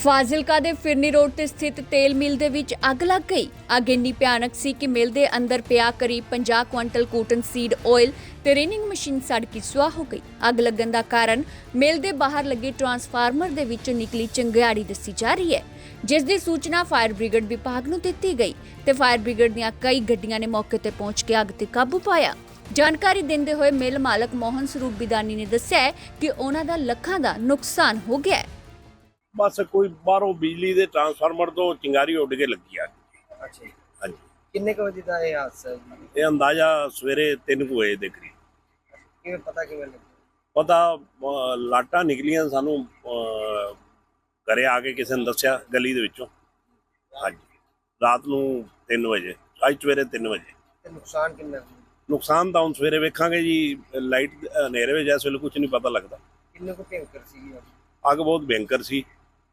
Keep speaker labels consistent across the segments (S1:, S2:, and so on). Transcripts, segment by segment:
S1: ਫਾਜ਼ਿਲਕਾ ਦੇ ਫਿਰਨੀ ਰੋਡ ਤੇ ਸਥਿਤ ਤੇਲ ਮਿਲ ਦੇ ਵਿੱਚ ਅੱਗ ਲੱਗ ਗਈ। ਅੱਗ ਇੰਨੀ ਭਿਆਨਕ ਸੀ ਕਿ ਮਿਲ ਦੇ ਅੰਦਰ ਪਿਆ ਕਰੀਬ 50 ਕੁਇੰਟਲ ਕੋਟਨ ਸੀਡ ਆਇਲ ਤੇ ਰੇਨਿੰਗ ਮਸ਼ੀਨ ਸੜ ਕੇ ਸੁਆਹ ਹੋ ਗਈ। ਅੱਗ ਲੱਗਣ ਦਾ ਕਾਰਨ ਮਿਲ ਦੇ ਬਾਹਰ ਲੱਗੇ ਟਰਾਂਸਫਾਰਮਰ ਦੇ ਵਿੱਚੋਂ ਨਿਕਲੀ ਚੰਗਿਆੜੀ ਦੱਸੀ ਜਾ ਰਹੀ ਹੈ, ਜਿਸ ਦੀ ਸੂਚਨਾ ਫਾਇਰ ਬ੍ਰਿਗੇਡ ਵਿਭਾਗ ਨੂੰ ਦਿੱਤੀ ਗਈ ਤੇ ਫਾਇਰ ਬ੍ਰਿਗੇਡ ਦੀਆਂ ਕਈ ਗੱਡੀਆਂ ਨੇ ਮੌਕੇ ਤੇ ਪਹੁੰਚ ਕੇ ਅੱਗ ਤੇ ਕਾਬੂ ਪਾਇਆ। ਜਾਣਕਾਰੀ ਦਿੰਦੇ ਹੋਏ ਮਿਲ ਮਾਲਕ ਮੋਹਨ ਸਰੂਪ ਬਿਦਾਨੀ ਨੇ ਦੱਸਿਆ ਕਿ ਉਹਨਾਂ ਦਾ ਲੱਖਾਂ ਦਾ ਨੁਕਸਾਨ ਹੋ ਗਿਆ ਹੈ।
S2: बस कोई बाहरों बिजली के ट्रांसफार्मर तो चिंगारी उड़ के लगी आ।
S3: अच्छा जी।
S2: हाँ जी,
S3: किन्ने क बजे दा ये हादसा है जी?
S2: ये अंदाजा सवेरे 3 बजे के करीब
S3: किवें पता किवें लगा?
S2: पता लाटा निकलियां सानू घरे आके किसी ने दस्या गली दे विचों। हाँ जी, रात नूं 3 बजे, अज सवेरे 3 बजे।
S3: ते नुकसान किन्ना है?
S2: नुकसान तो हुण सवेरे वेखांगे जी, लाइट हनेरे विच इस वेले कुछ नहीं पता लगता।
S3: किन्ने को भयंकर सी ये?
S2: अग बहुत भयंकर सी,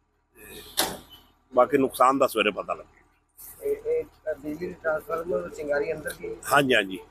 S2: बाकी नुकसान का सवेरे पता लगे।
S3: बिजली ट्रांसफार्मर और चिंगारी अंदर की
S2: हाँ जी, हाँ जी,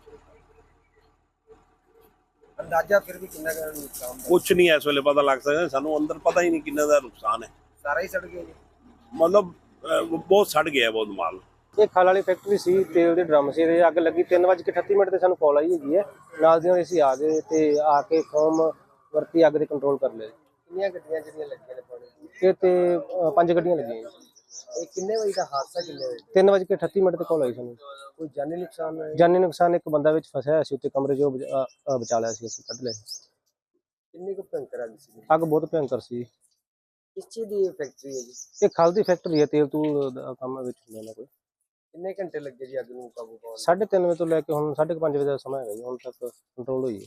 S3: अंदाजा फिर भी किन्ना का नुकसान है?
S2: कुछ नहीं इस वेले पता लग सकता, सानू अंदर पता ही नहीं किन्ने का नुकसान है।
S3: सारा ही सड़ गया जी?
S2: मतलब बहुत सड़ गया बहुत माल।
S4: ਇਹ ਖਲ ਵਾਲੀ ਫੈਕਟਰੀ ਸੀ, ਤੇਲ ਦੇ ਡਰਮ ਸੀ। ਇਹਦੇ ਅੱਗ ਲੱਗੀ 3:38 ਤੇ ਸਾਨੂੰ ਕਾਲ ਆਈ ਹੈਗੀ ਹੈ। ਨਾਲ ਦੀ ਨਾਲ ਅਸੀਂ ਆ ਗਏ ਤੇ ਆ ਕੇ ਫੋਮ ਵਰਤੀ ਅੱਗ ਦੇ ਕੰਟਰੋਲ ਕਰ ਲਿਆ।
S3: किन्नियां गड्डियां ਜਿਹੜੀਆਂ ਲੱਗੀਆਂ ਨੇ ਪਾਣੀ
S4: ਇਹ ਤੇ 5 ਗੱਡੀਆਂ ਲੱਗੀਆਂ ਜੀ।
S3: ਇਹ ਕਿੰਨੇ ਵਜੇ ਦਾ ਹਾਦਸਾ ਕਿੰਨੇ ਵਜੇ?
S4: 3:38 ਤੇ ਕਾਲ ਆਈ ਸਾਨੂੰ।
S3: ਕੋਈ ਜਾਨੀ ਨੁਕਸਾਨ ਹੈ?
S4: ਜਾਨੀ ਨੁਕਸਾਨ ਇੱਕ ਬੰਦਾ ਵਿੱਚ ਫਸਿਆ ਹੋਇਆ ਸੀ, ਉੱਤੇ ਕਮਰੇ 'ਚੋਂ ਬਚਾ ਲਿਆ ਸੀ, ਅਸੀਂ ਕੱਢ ਲਿਆ।
S3: ਕਿੰਨੀ ਕੁ ਭਿਆਨਕ ਅੱਗ ਸੀ?
S4: ਅੱਗ ਬਹੁਤ ਭਿਆਨਕ ਸੀ।
S3: ਕਿਸ ਚੀਜ਼ ਦੀ ਫੈਕਟਰੀ ਹੈ ਜੀ?
S4: ਇਹ ਖਲ ਦੀ ਫੈਕਟਰੀ ਹੈ, ਤੇਲ ਤੂਲ ਦਾ ਕੰਮ ਵਿੱਚ ਹੁੰਦਾ ਨਾ ਕੋਈ।
S3: ਕਿੰਨੇ ਘੰਟੇ ਲੱਗੇ ਜੀ ਅੱਗ ਨੂੰ ਕਾਬੂ ਪਾਉਣ?
S4: 3:30 ਵਜੇ ਤੋਂ ਲੈ ਕੇ ਹੁਣ 5:30 ਵਜੇ ਦਾ ਸਮਾਂ ਹੈਗਾ ਜੀ। ਹੁਣ ਤੱਕ ਕੰਟਰੋਲ ਹੋਈ ਹੈ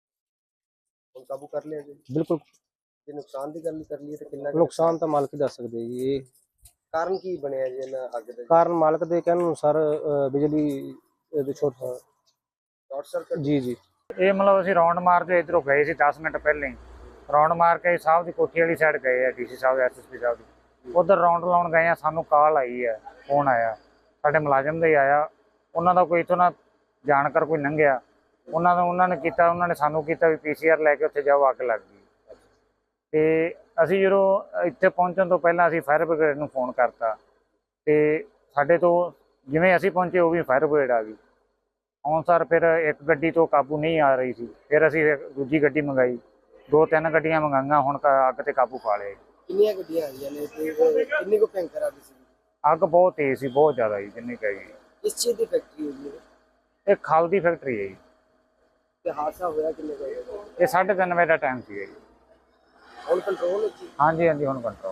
S3: ਹੁਣ ਕਾਬੂ ਕਰ ਲਿਆ ਜੀ?
S4: ਬਿਲਕੁਲ।
S3: ਜੇ ਨੁਕਸਾਨ ਦੀ ਗੱਲ ਕਰ ਲਈਏ ਤਾਂ ਕਿੰਨਾ ਕੁ
S4: ਨੁਕਸਾਨ ਤਾਂ ਮਾਲਕ ਹੀ ਦੱਸ ਸਕਦੇ ਜੀ। ਇਹ
S3: ਕਾਰਨ ਕੀ ਬਣਿਆ ਜੀ ਇਹਨਾਂ ਅੱਗ ਦਾ?
S4: ਕਾਰਨ ਮਾਲਕ ਦੇ ਕਹਿਣ ਅਨੁਸਾਰ ਬਿਜਲੀ ਦੇ
S3: ਸ਼ਾਰਟ ਸਰਕਟ?
S4: ਜੀ ਜੀ।
S5: ਇਹ ਮਤਲਬ ਅਸੀਂ ਰੌਂਡ ਮਾਰਦੇ ਇੱਧਰੋਂ ਗਏ ਸੀ 10 ਮਿੰਟ ਪਹਿਲਾਂ ਹੀ। ਰੌਂਡ ਮਾਰ ਕੇ ਸਾਹਿਬ ਦੀ ਕੋਠੀ ਵਾਲੀ ਸਾਈਡ ਗਏ ਆ, ਡੀਸੀ ਸਾਹਿਬ ਐਸਐਸਪੀ ਸਾਹਿਬ ਦੀ। ਉੱਧਰ ਰੌਂਡ ਲਾਉਣ ਗਏ ਆ, ਸਾਨੂੰ ਕਾਲ ਆਈ ਹੈ, ਫੋਨ ਆਇਆ ਸਾਡੇ ਮੁਲਾਜ਼ਮ ਦਾ ਹੀ ਆਇਆ। ਉਹਨਾਂ ਦਾ ਕੋਈ ਇੱਥੋਂ ਨਾ ਜਾਣਕਾਰ ਕੋਈ ਲੰਘਿਆ, ਉਹਨਾਂ ਨੇ ਕੀਤਾ, ਉਹਨਾਂ ਨੇ ਸਾਨੂੰ ਕੀਤਾ ਵੀ PCR ਲੈ ਕੇ ਉੱਥੇ ਜਾਓ, ਅੱਗ ਲੱਗ ਗਈ। ਤੇ ਅਸੀਂ ਜਦੋਂ ਇੱਥੇ ਪਹੁੰਚਣ ਤੋਂ ਪਹਿਲਾਂ ਅਸੀਂ ਫਾਇਰ ਬ੍ਰਿਗੇਡ ਨੂੰ ਫੋਨ ਕਰਤਾ ਤੇ ਸਾਡੇ ਤੋਂ ਜਿਵੇਂ ਅਸੀਂ ਪਹੁੰਚੇ ਉਹ ਵੀ ਫਾਇਰ ਬ੍ਰਿਗੇਡ ਆ ਗਈ। ਆਉਣ ਸਾਰ ਫਿਰ ਇੱਕ ਗੱਡੀ ਤੋਂ ਕਾਬੂ ਨਹੀਂ ਆ ਰਹੀ ਸੀ, ਫਿਰ ਅਸੀਂ ਦੂਜੀ ਗੱਡੀ ਮੰਗਾਈ, 2-3 ਗੱਡੀਆਂ ਮੰਗਾਈਆਂ, ਹੁਣ ਅੱਗ ਤੇ ਕਾਬੂ ਪਾ ਲਿਆ।
S3: ਕਿੰਨੀਆਂ ਗੱਡੀਆਂ ਆਈਆਂ ਨੇ ਤੇ ਕਿੰਨੀ ਕੁ ਭਿਆਨਕ ਅੱਗ ਸੀ?
S5: ਅੱਗ ਬਹੁਤ ਤੇਜ਼ ਸੀ, ਬਹੁਤ ਜ਼ਿਆਦਾ ਜੀ, ਜਿੰਨੀ ਕਹੀ।
S3: ਕਿਸ ਚੀਜ਼ ਦੀ ਫੈਕਟਰੀ ਹੋਈ ਹੈ?
S5: ਇਹ ਖਲ ਦੀ ਫੈਕਟਰੀ ਹੈ ਜੀ।
S3: ਤੇ ਹਾਦਸਾ ਹੋਇਆ ਕਿੰਨੇ ਵਜੇ?
S5: ਇਹ 3:30 ਵਜੇ ਦਾ ਟਾਈਮ ਸੀ ਜੀ।
S3: ਹੁਣ ਕੰਟਰੋਲ ਹੈ ਜੀ?
S5: ਹਾਂਜੀ ਹਾਂਜੀ, ਹੁਣ ਕੰਟਰੋਲ।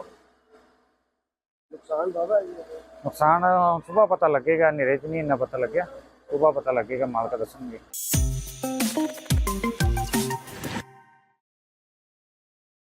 S3: ਨੁਕਸਾਨ ਬਾਬਾ ਜੀ?
S5: ਨੁਕਸਾਨ ਸੁਬਾਹ ਪਤਾ ਲੱਗੇਗਾ, ਹਨੇਰੇ 'ਚ ਨਹੀਂ ਇੰਨਾ ਪਤਾ ਲੱਗਿਆ, ਸੁਬਾਹ ਪਤਾ ਲੱਗੇਗਾ, ਮਾਲਕ ਦੱਸਣਗੇ।